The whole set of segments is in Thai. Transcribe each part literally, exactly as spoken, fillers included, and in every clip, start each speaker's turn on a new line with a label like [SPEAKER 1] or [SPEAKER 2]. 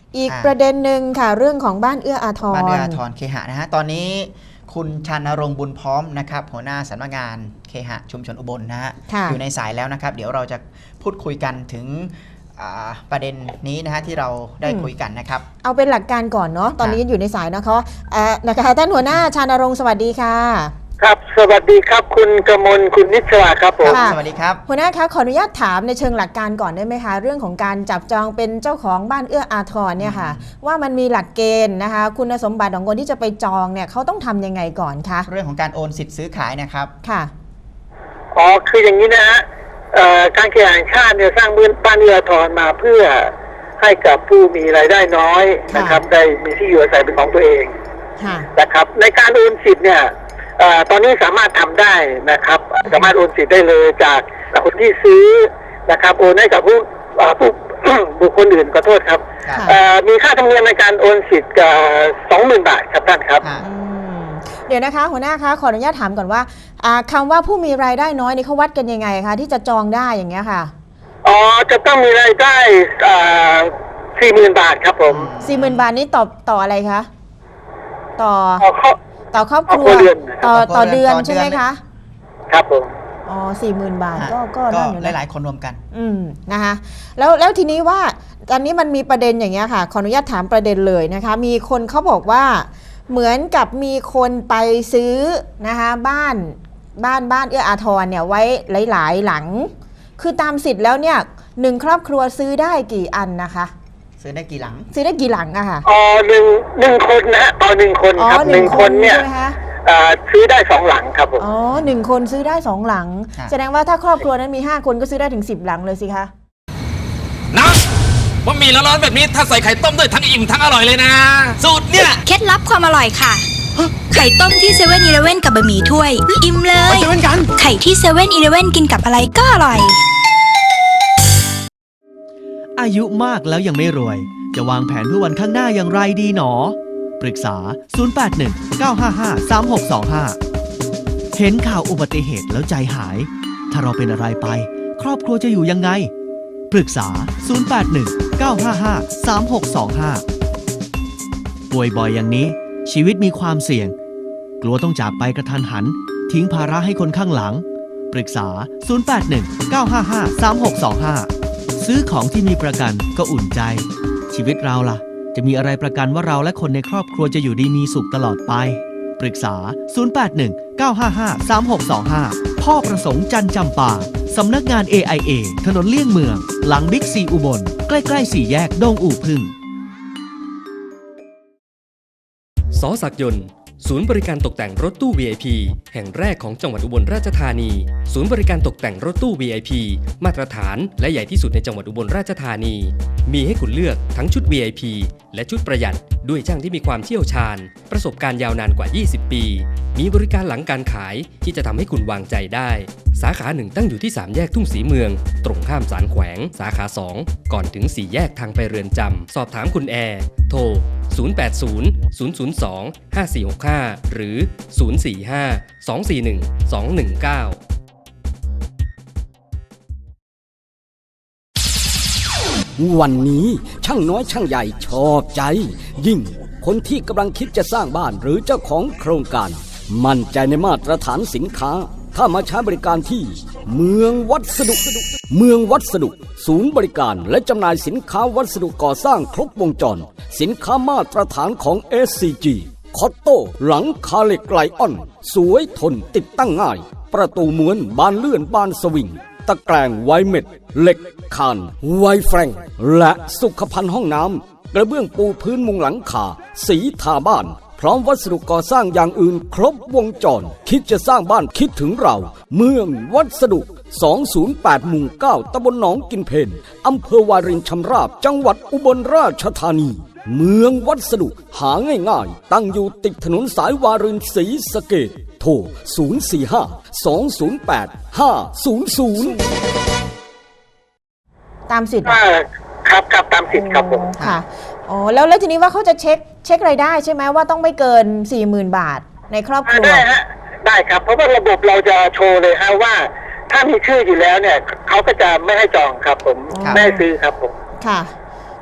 [SPEAKER 1] อีกประเด็นหนึ่งค่ะเรื่องของบ้านเอื้ออาทร
[SPEAKER 2] บ้านเอื้ออาทรเคหะนะฮะตอนนี้คุณชันนรงค์บุญพร้อมนะครับหัวหน้าสำนักงานเคหะชุมชนอุบลนะฮะอยู่ในสายแล้วนะครับเดี๋ยวเราจะพูดคุยกันถึงประเด็นนี้นะฮะที่เราได้คุยกันนะครับ
[SPEAKER 1] เอาเป็นหลักการก่อนเนาะตอนนี้อยู่ในสายนะคะนะคะท่านหัวหน้าชันนรงค์สวัสดีค่ะ
[SPEAKER 3] ครับสวัสดีครับคุณกมลคุณนิชวาครับผม
[SPEAKER 2] สวัสดีครับ
[SPEAKER 1] หัวหน้าคะขออนุญาตถามในเชิงหลักการก่อนได้ไหมคะเรื่องของการจับจองเป็นเจ้าของบ้านเอื้ออาทรเนี่ยค่ะว่ามันมีหลักเกณฑ์นะคะคุณสมบัติของคนที่จะไปจองเนี่ยเขาต้องทำยังไงก่อนคะ
[SPEAKER 2] เรื่องของการโอนสิทธิ์ซื้อขายนะครับ
[SPEAKER 1] ค่ะ
[SPEAKER 3] อ๋อคืออย่างนี้นะฮะการเคหะแห่งชาติเนี่ยสร้างบ้านเอื้ออาทรมาเพื่อให้กับผู้มีรายได้น้อยนะครับได้มีที่อยู่อาศัยเป็นของตัวเองนะครับในการโอนสิทธิ์เนี่ยตอนนี้สามารถทำได้นะครับสามารถโอนสิทธิ์ได้เลยจากคนที่ซื้อนะครับโอนให้กับผู้ผู้บุคคลอื่นขอโทษครับมีค่าธรรมเนียมในการโอนสิทธิ์สองหมื่นบาทครับท่านครับ
[SPEAKER 1] เดี๋ยวนะคะหัวหน้าคะขออนุญาตถามก่อนว่าคำว่าผู้มีรายได้น้อยนี่เขาวัดกันยังไงคะที่จะจองได้อย่างเงี้ยค่ะ
[SPEAKER 3] อ๋อจะต้องมีรายได้สี่หมื่นบาทครับผม
[SPEAKER 1] สี่หมื่นบาทนี้ต่อต่ออะไรคะต่อต่อครอบครัวต่อต่อเดือนใช่ไหมคะ
[SPEAKER 3] ครับผม
[SPEAKER 1] อ๋อสี่หมื่นบาทก็ก็
[SPEAKER 2] ได้อยู่หลายๆคนรวมกัน
[SPEAKER 1] อืมนะคะแล้วแล้วทีนี้ว่าตอนนี้มันมีประเด็นอย่างเงี้ยค่ะขออนุญาตถามประเด็นเลยนะคะมีคนเขาบอกว่าเหมือนกับมีคนไปซื้อนะคะบ้านบ้านบ้านเอื้ออาทรเนี่ยไว้หลายๆหลังคือตามสิทธิ์แล้วเนี่ยหนึ่งครอบครัวซื้อได้กี่อันนะคะ
[SPEAKER 2] ซื้อได้กี่หลัง
[SPEAKER 1] ซื้อได้กี่หลังอะค่ะ
[SPEAKER 3] อ๋อหนึ่งหนึ่งคนนะต่อหนึ่งคนครับหนึ่งคนเนี่ยซื้อได้สองหลังครับผม
[SPEAKER 1] อ๋อหนึ่งคนซื้อได้สองหลังแสดงว่าถ้าครอบครัวนั้นมีห้าคนก็ซื้อได้ถึงสิบหลังเลยสิคะ
[SPEAKER 4] นะบะหมี่ร้อนๆแบบนี้ถ้าใส่ไข่ต้มด้วยทั้งอิ่มทั้งอร่อยเลยนะสูตรเนี่ย
[SPEAKER 5] เคล็ดลับความอร่อยค่ะไข่ต้มที่เซเว่นอีเลฟเว่นกับบะหมี่ถ้วยอิ่มเลยไข่ที่เซเว่นอีเลฟเว่นกินกับอะไรก็อร่อย
[SPEAKER 6] อายุมากแล้วยังไม่รวยจะวางแผนเพื่อวันข้างหน้าอย่างไรดีหนอปรึกษาศูนย์ แปด หนึ่ง เก้า ห้า ห้า สาม หก สอง ห้าเห็นข่าวอุบัติเหตุแล้วใจหายถ้าเราเป็นอะไรไปครอบครัวจะอยู่ยังไงปรึกษาศูนย์ แปด หนึ่ง เก้า ห้า ห้า สาม หก สอง ห้าป่วยบ่อยอย่างนี้ชีวิตมีความเสี่ยงกลัวต้องจากไปกระทันหันทิ้งภาระให้คนข้างหลังปรึกษาศูนย์ แปด หนึ่ง เก้า ห้า ห้า สาม หก สอง ห้าซื้อของที่มีประกันก็อุ่นใจชีวิตเราล่ะจะมีอะไรประกันว่าเราและคนในครอบครัวจะอยู่ดีมีสุขตลอดไปปรึกษาศูนย์ แปด หนึ่ง เก้า ห้า ห้า สาม หก สอง ห้าพ่อประสงค์จันจำปาสำนักงาน เอ ไอ เอ ถนนเลี่ยงเมืองหลังบิ๊กซีอุบลใกล้ๆสี่แยกดงอู่พึ่ง
[SPEAKER 7] ส.ศักดิ์ยนต์ศูนย์บริการตกแต่งรถตู้ วี ไอ พี แห่งแรกของจังหวัดอุบลราชธานีศูนย์บริการตกแต่งรถตู้ วี ไอ พี มาตรฐานและใหญ่ที่สุดในจังหวัดอุบลราชธานีมีให้คุณเลือกทั้งชุด วี ไอ พี และชุดประหยัดด้วยช่างที่มีความเชี่ยวชาญประสบการณ์ยาวนานกว่ายี่สิบปีมีบริการหลังการขายที่จะทำให้คุณวางใจได้สาขาหนึ่งตั้งอยู่ที่สามแยกทุ่งศรีเมืองตรงข้ามศาลแขวงสาขาสองก่อนถึงสี่แยกทางไปเรือนจำสอบถามคุณแอร์โทรศูนย์ แปด ศูนย์ ศูนย์ ศูนย์ สอง ห้า สี่ หก ห้าหรือศูนย์ สี่ ห้า สอง สี่ หนึ่ง สอง หนึ่ง เก้า
[SPEAKER 8] วันนี้ช่างน้อยช่างใหญ่ชอบใจยิ่งคนที่กำลังคิดจะสร้างบ้านหรือเจ้าของโครงการมั่นใจในมาตรฐานสินค้าถ้ามาใช้บริการที่เมืองวัสดุเมืองวัสดุศูนย์บริการและจำหน่ายสินค้าวัสดุก่อสร้างครบวงจรสินค้ามาตรฐานของ เอส ซี จี คอตโต้หลังคาเหล็กไลออนสวยทนติดตั้งง่ายประตูม้วนบานเลื่อนบานสวิงตะแกรงไวเม็ดเหล็กคานไวแฟรงและสุขภัณฑ์ห้องน้ำกระเบื้องปูพื้นมุงหลังคาสีทาบ้านพร้อมวัสดุก่อสร้างอย่างอื่นครบวงจรคิดจะสร้างบ้านคิดถึงเราเมืองวัสดุสองศูนย์แปดหมู่เก้าตำบลหนองกินเพลอำเภอวารินชำราบจังหวัดอุบลราชธานีเมืองวัสดุหาง่ายๆตั้งอยู่ติดถนนสายวารินศรีสะเกษโทรศูนย์ สี่ ห้า สอง ศูนย์ แปด ห้า ศูนย์ ศูนย์
[SPEAKER 1] ตามสิทธิ์
[SPEAKER 3] ครับครับตามสิทธิ์ครับผม
[SPEAKER 1] ค่ะอ๋อแล้วแล้วทีนี้ว่าเขาจะเช็คเช็ครายได้ใช่ไหมว่าต้องไม่เกิน สี่หมื่น บาทในครอบครัว
[SPEAKER 3] ได้ฮะได้ครับเพราะว่าระบบเราจะโชว์เลยฮะว่าถ้ามีชื่ออยู่แล้วเนี่ยเขาก็จะไม่ให้จองครับผมไม่ให้ซื้อครับผม
[SPEAKER 1] ค่ะ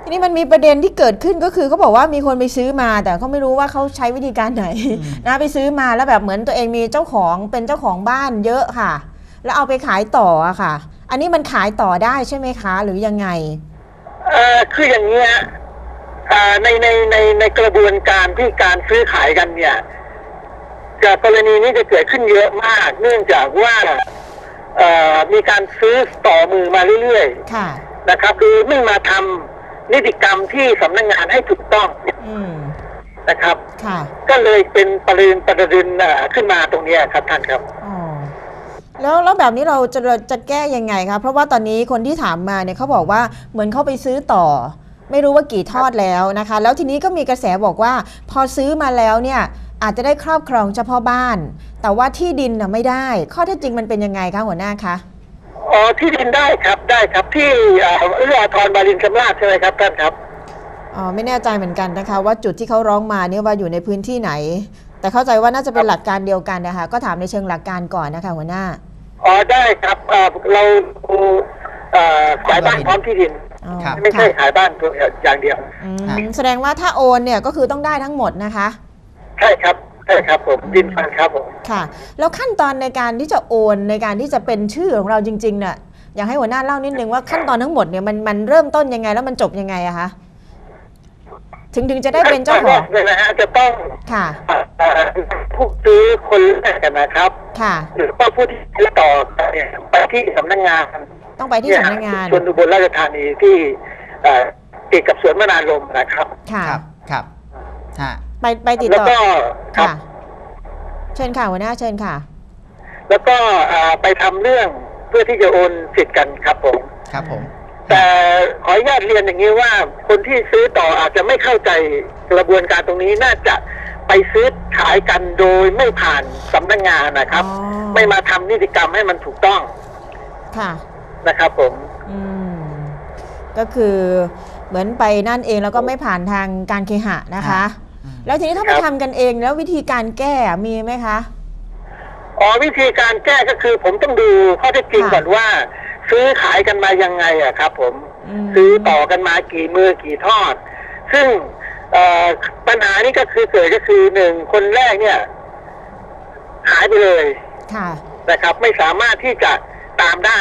[SPEAKER 1] ทีนี้มันมีประเด็นที่เกิดขึ้นก็คือเขาบอกว่ามีคนไปซื้อมาแต่เขาไม่รู้ว่าเขาใช้วิธีการไหนนะไปซื้อมาแล้วแบบเหมือนตัวเองมีเจ้าของเป็นเจ้าของบ้านเยอะค่ะแล้วเอาไปขายต่ออะค่ะอันนี้มันขายต่อได้ใช่ไหมคะหรือยังไง
[SPEAKER 3] เอ่อคืออย่างนี้ฮะในในในในกระบวนการที่การซื้อขายกันเนี่ยจากกรณีนี้จะเกิดขึ้นเยอะมากเนื่องจากว่ามีการซื้อต่อมือมาเรื่อยๆนะครับคือไม่มาทำนิติกรรมที่สำนักงานให้ถูกต้องนะครับก็เลยเป็นประเด็นประเด็นขึ้นมาตรงนี้ครับท่านครับ
[SPEAKER 1] แล้วแล้วแบบนี้เราจะจะแก้ยังไงครับเพราะว่าตอนนี้คนที่ถามมาเนี่ยเขาบอกว่าเหมือนเขาไปซื้อต่อไม่รู้ว่ากี่ทอดแล้วนะคะแล้วทีนี้ก็มีกระแสบอกว่าพอซื้อมาแล้วเนี่ยอาจจะได้ครอบครองเฉพาะบ้านแต่ว่าที่ดินน่ะไม่ได้ข้อเท็จจริงมันเป็นยังไงคะหัวหน้าคะ
[SPEAKER 3] อ๋อที่ดินได้ครับได้ครับที่เอื้ออาทรบารินชำราบใช่ไหมครับท่านครับ
[SPEAKER 1] อ๋อไม่แน่ใจเหมือนกันนะคะว่าจุดที่เขาร้องมาเนี่ยว่าอยู่ในพื้นที่ไหนแต่เข้าใจว่าน่าจะเป็นหลักการเดียวกันนะคะก็ถามในเชิงหลักการก่อนนะคะหัวหน้า
[SPEAKER 3] อ๋อได้ครับเราขายบ้านพร้อมที่ดินไม่ใช่ขายบ้านตัวอย่างเดียว
[SPEAKER 1] แสดงว่าถ้าโอนเนี่ยก็คือต้องได้ทั้งหมดนะคะ
[SPEAKER 3] ใช่ครับใช่ครับผมดินฟันครับผม
[SPEAKER 1] ค่ะแล้วขั้นตอนในการที่จะโอนในการที่จะเป็นชื่อของเราจริงๆเนี่ยอยากให้หัวหน้าเล่านิดนึงว่าขั้นตอนทั้งหมดเนี่ยมันมันเริ่มต้นยังไงแล้วมันจบยังไงอะคะถึงถึงจะได้เป็นเจ้าของ
[SPEAKER 3] เลยนะฮะจะต้อง
[SPEAKER 1] ค่ะ
[SPEAKER 3] ผู้ซื้อคนแรกกันนะครับ
[SPEAKER 1] ค่ะ
[SPEAKER 3] หรือว่าผู้ที่ซื้อต่อเนี่ยไปที่สำนักงาน
[SPEAKER 1] ต้องไปที่สำนักงาน
[SPEAKER 3] ชลอุบลราชธานีที่ติดกับสวนมนารมนะครับ
[SPEAKER 1] ค่ะ
[SPEAKER 2] ครับครับ
[SPEAKER 1] ไปไปติดต่อ
[SPEAKER 3] แล้วก็
[SPEAKER 1] ค่ะเชิญค่ะหัวหน้าเชิญค่ะ
[SPEAKER 3] แล้วก็ไปทำเรื่องเพื่อที่จะโอนสิทธิ์กันครับผม
[SPEAKER 2] ครับผม
[SPEAKER 3] แต่ขออนุญาตเรียนอย่างนี้ว่าคนที่ซื้อต่ออาจจะไม่เข้าใจกระบวนการตรงนี้น่าจะไปซื้อขายกันโดยไม่ผ่านสำนักงานนะครับไม่มาทำนิติกรรมให้มันถูกต้อง
[SPEAKER 1] ค่ะ
[SPEAKER 3] นะครับผม
[SPEAKER 1] อืมก็คือเหมือนไปนั่นเองแล้วก็ไม่ผ่านทางการเคหะนะคะแล้วทีนี้ถ้าไปทำกันเองแล้ววิธีการแก้มีไหมคะ
[SPEAKER 3] อ๋อวิธีการแก้ก็คือผมต้องดูข้อเท็จจริงก่อนว่าซื้อขายกันมายังไงอะครับผมซื้อต่อกันมากี่มือกี่ทอดซึ่งปัญหานี้ก็คือเกิดก็คือหนึ่งคนแรกเนี่ยหายไปเลยนะครับไม่สามารถที่จะตามได้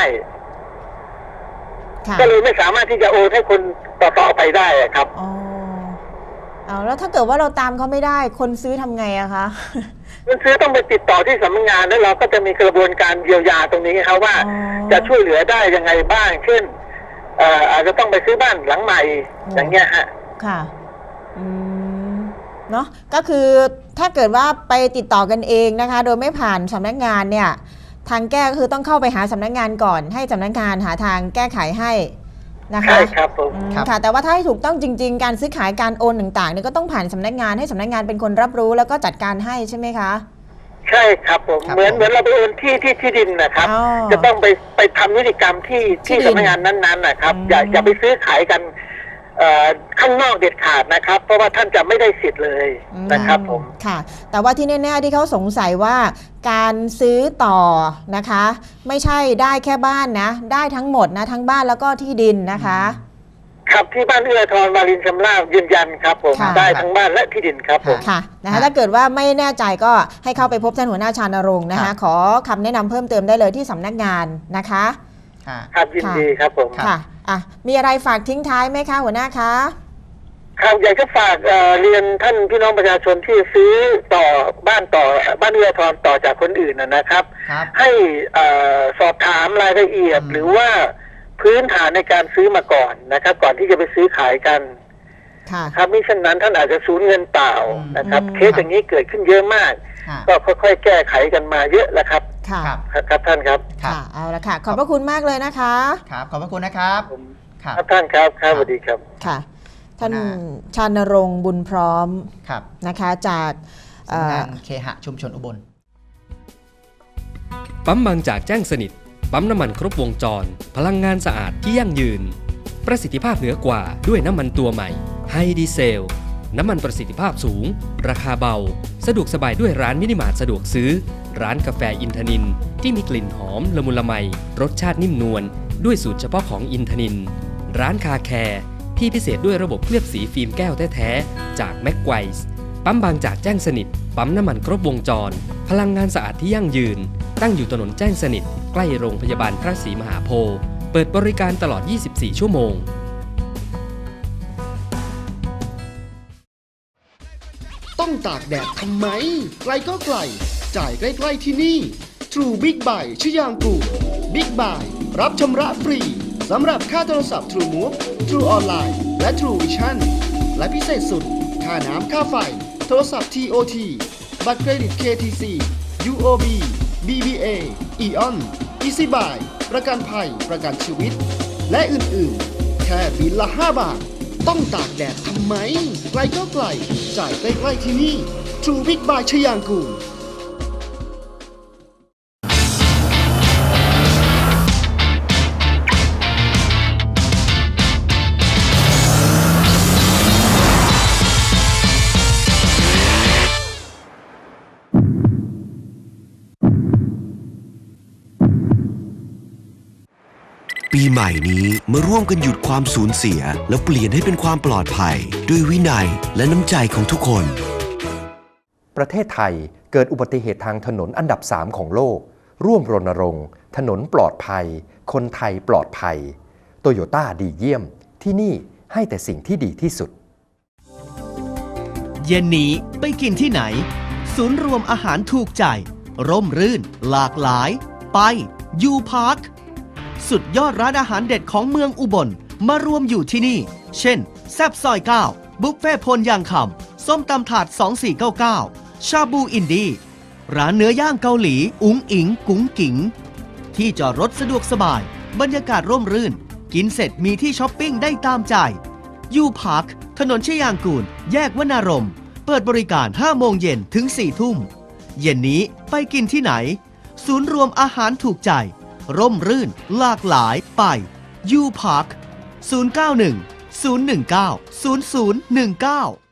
[SPEAKER 3] ก็เลยไม่สามารถที่จะโอนให้คนต่อๆไปได้ครับ
[SPEAKER 1] อ๋อเอาแล้วถ้าเกิดว่าเราตามเขาไม่ได้คนซื้อทำไงอะคะ
[SPEAKER 3] คนซื้อต้องไปติดต่อที่สำนักงานแล้วเราก็จะมีกระบวนการเยียวยาตรงนี้ครับว่าจะช่วยเหลือได้ยังไงบ้างเช่นอาจจะต้องไปซื้อบ้านหลังใหม่อย่างเงี้ยฮะ
[SPEAKER 1] ค่ะอืมเนาะก็คือถ้าเกิดว่าไปติดต่อกันเองนะคะโดยไม่ผ่านสำนักงานเนี่ยทางแก้ก็คือต้องเข้าไปหาสำนักงานก่อนให้สำนักงานหาทางแก้ไขให้นะคะ
[SPEAKER 3] ใช่ครับผม
[SPEAKER 1] ค่ะแต่ว่าถ้าให้ถูกต้องจริงๆการซื้อขายการโอนต่างๆเนี่ยก็ต้องผ่านสำนักงานให้สำนักงานเป็นคนรับรู้แล้วก็จัดการให้ใช่ไหมคะ
[SPEAKER 3] ใช่ครับผมเหมือนเหมือนเราไปโอนที่ที่ที่ดินนะครับจะต้องไปไปทำนิติกรรมที่ที่สำนักงานนั้นๆนะครับอย่าอย่าไปซื้อขายกันข้างนอกเด็ดขาดนะครับเพราะว่าท่านจะไม่ได้สิทธิ์เลยนะครับผม
[SPEAKER 1] ค่ะแต่ว่าที่แน่ๆที่เขาสงสัยว่าการซื้อต่อนะคะไม่ใช่ได้แค่บ้านนะได้ทั้งหมดนะทั้งบ้านแล้วก็ที่ดินนะคะ
[SPEAKER 3] ครับที่บ้านเอื้ออาทรวารินชำราบยืนยันครับผมได้ทั้งบ้านและที่ดินครับผม
[SPEAKER 1] ค่ะนะคะถ้าเกิดว่าไม่แน่ใจก็ให้เข้าไปพบท่านหัวหน้าชานรงค์นะคะขอคำแนะนำเพิ่มเติมได้เลยที่สำนักงานนะคะ
[SPEAKER 3] ครับยินดีครับผม
[SPEAKER 1] ค่ะอ่ะมีอะไรฝากทิ้งท้ายไหมคะหัวหน้าคะ
[SPEAKER 3] ครับอยากจะฝากเรียนท่านพี่น้องประชาชนที่ซื้อต่อบ้านต่อบ้านเอื้ออาทรต่อจากคนอื่นนะครับให้สอบถามรายละเอียดหรือว่าพื้นฐานในการซื้อมาก่อนนะครับก่อนที่จะไปซื้อขายกันครับมิฉะนั้นท่านอาจจะสูญเงินเปล่านะครับเคสอย่างนี้เกิดขึ้นเยอะมากก็ค่อยๆแก้ไขกันมาเยอะแล้วครับ
[SPEAKER 1] ค่ะ
[SPEAKER 3] ครับท่านครับ
[SPEAKER 1] ค่ะเอาละค่ะขอบพระคุณมากเลยนะคะ
[SPEAKER 2] ครับขอบพระคุณนะครับ
[SPEAKER 3] ครับท่านครับครับสวัสดีครับ
[SPEAKER 1] ค่ะท่านชานรงค์บุญพร้อมนะคะจาก
[SPEAKER 2] สำนักงานเคหะชุมชนอุบล
[SPEAKER 7] ปั๊มบางจากแจ้งสนิทปั๊มน้ำมันครบวงจรพลังงานสะอาดที่ยั่งยืนประสิทธิภาพเหนือกว่าด้วยน้ำมันตัวใหม่ไฮดีเซลน้ำมันประสิทธิภาพสูงราคาเบาสะดวกสบายด้วยร้านมินิมาร์ทสะดวกซื้อร้านกาแฟอินทนินที่มีกลิ่นหอมละมุนละไมรสชาตินิ่มนวลด้วยสูตรเฉพาะของอินทนินร้านคาแคร์พี่พิเศษด้วยระบบเคลือบสีฟิล์มแก้วแท้ๆจากแม็กไกวส์ปั๊มบางจากแจ้งสนิทปั๊มน้ำมันครบวงจรพลังงานสะอาดที่ยั่งยืนตั้งอยู่ถนนแจ้งสนิทใกล้โรงพยาบาลพระศรีมหาโพธิ์เปิดบริการตลอดยี่สิบสี่ชั่วโมง
[SPEAKER 9] ต้องตากแดดทำไมไกลก็ไกลจ่ายใกล้ๆที่นี่ True Big Buy ชยางกูล Big Buy รับชำระฟรีสำหรับค่าโทรศัพท์ True Move True Online และ True Vision และพิเศษสุดค่าน้ำค่าไฟโทรศัพท์ ที โอ ที บัตรเครดิต เค ที ซี ยู โอ บี บี บี เอ อี ออน Easy Buy ประกันภัยประกันชีวิตและอื่นๆแค่บิลละห้าบาทต้องตากแดดทำไมไกลก็ไกลจ่ายใกล้ๆที่นี่ True Big Buy ชยางกูล
[SPEAKER 10] ปีใหม่นี้มาร่วมกันหยุดความสูญเสียแล้วเปลี่ยนให้เป็นความปลอดภัยด้วยวินัยและน้ำใจของทุกคน
[SPEAKER 11] ประเทศไทยเกิดอุบัติเหตุทางถนนอันดับสามของโลกร่วมรณรงค์ถนนปลอดภัยคนไทยปลอดภัยโตโยต้าดีเยี่ยมที่นี่ให้แต่สิ่งที่ดีที่สุด
[SPEAKER 6] เย็นนี้ไปกินที่ไหนศูนย์รวมอาหารถูกใจร่มรื่นหลากหลายไปยูพาร์คสุดยอดร้านอาหารเด็ดของเมืองอุบลมารวมอยู่ที่นี่เช่นแซ่บซอยเก้าบุฟเฟ่พลยางคำส้มตำถาดสองสี่เก้าเก้าชาบูอินดี้ร้านเนื้อย่างเกาหลีอุ๋งอิงกุ๋งกิ๋งที่จอดรถสะดวกสบายบรรยากาศร่มรื่นกินเสร็จมีที่ช้อปปิ้งได้ตามใจยูพาร์คถนนชยางกูลแยกวนารมณ์เปิดบริการห้าโมงเย็นถึงสี่ทุ่มเย็นนี้ไปกินที่ไหนศูนย์รวมอาหารถูกใจร่มรื่นหลากหลายไปยูพาร์คศูนย์ เก้า หนึ่ง ศูนย์ หนึ่ง เก้า ศูนย์ ศูนย์ หนึ่ง เก้า